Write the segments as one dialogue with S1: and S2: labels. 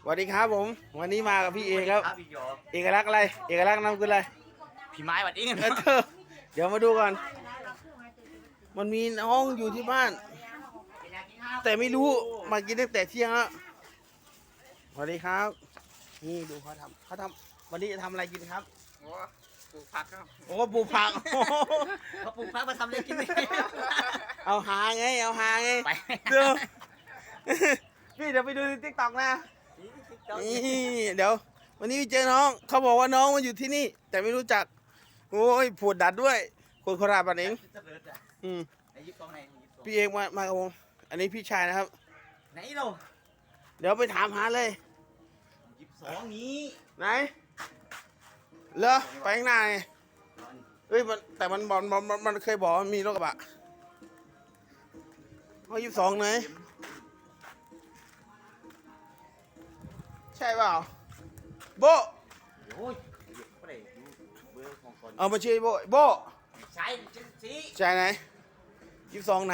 S1: วัสดีครับผมวันนี้มากับพี่เอกครับ
S2: พี่โย
S1: เอกลักษณ์อะไรเอกลักษณ์นำคืออะไร
S2: พี่ไม้หวัดอิง
S1: เดี๋ยวมาดูก่อนมันมีน้องอยู่ที่บ้าน แต่ไม่รู้มากินตั้งแต่เที่ยงแล้วสวัสดีครับนี่ดูเขาทำวันนี้จะทำอะไรกินครับ
S2: โอ้ปลูกผักครับ
S1: โอ้ปลูกผัก
S2: เขาปลูกผักมาทำอะไรกินเนี่ย
S1: เอาหาไง
S2: ไป
S1: เดี๋ยวพี่เดี๋ยวไปดูในติ๊กต็อกนะนี่เดี๋ยววันนี้เจอน้องเขาบอกว่าน้องมาอยู่ที่นี่ แต่ไม่รู้จักโอ้ยผูดดัดด้วยคนโคราชบ้านเองอืม
S2: ไหนยิบตรงไหน
S1: พี่เอกมากับผมอันนี้พี่ชายนะครับ
S2: ไหนเรา
S1: เดี๋ยวไปถามหาเลย
S2: 22นี้
S1: ไหนเหรอไปข้างหน้าไงเอ้ยแต่มันเคยบอกว่ามีรถกระบะเขา22ไหนใช่เปล่าโบ
S2: โอ้ยก็ได้ดูเบอร์ของคน
S1: เอามาชื่อโบ
S2: ใช่จังสิ
S1: ใช่ไหน22ไหน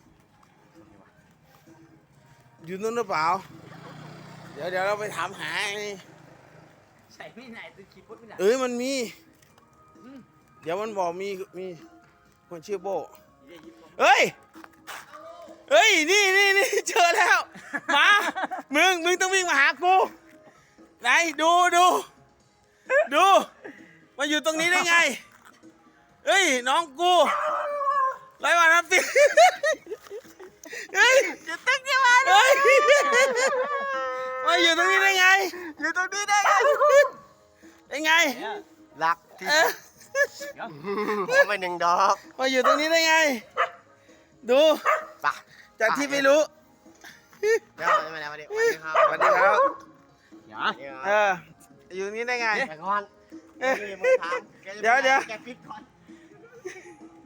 S1: อยู่นู่นหรือเปล่าเดี๋ยวเราไปถามหาไอ้นี่
S2: ใช่ไม่ไหนตัวคีย์บอร์ดไม่ไหน
S1: เอ้ยมันมีเดี๋ยวมันบอกมีคนชื่อโบเฮ้ยนี่เจอแล้วมามึงต้องวิ่งมาหากูไหนดูมาอยู่ตรงนี้ได้ไงเฮ้ยน้องกูไรวะน้ำสิเฮ้ยจะตึ้งยังไงเฮ้ยมาอยู่ตรงนี้ได้ไงอยู่ตรงนี้ได้ไง
S3: รักที่
S1: เออ
S3: ขอไปหนึ่งดอก
S1: มาอยู่ตรงนี้ได้ไงดู
S3: ปะ
S1: จากที่ไม่รู้
S3: เดี๋ยวมาแล้วมาดิสวัสดีครับ
S1: สวัสดีครับ
S2: อย่า
S1: เอออยู่ตรงนี้ได้ไง
S3: แต่ก่อน
S1: เอ๊ะ
S3: มึงถาม
S1: เดี๋ยว
S3: แกปิดก่อน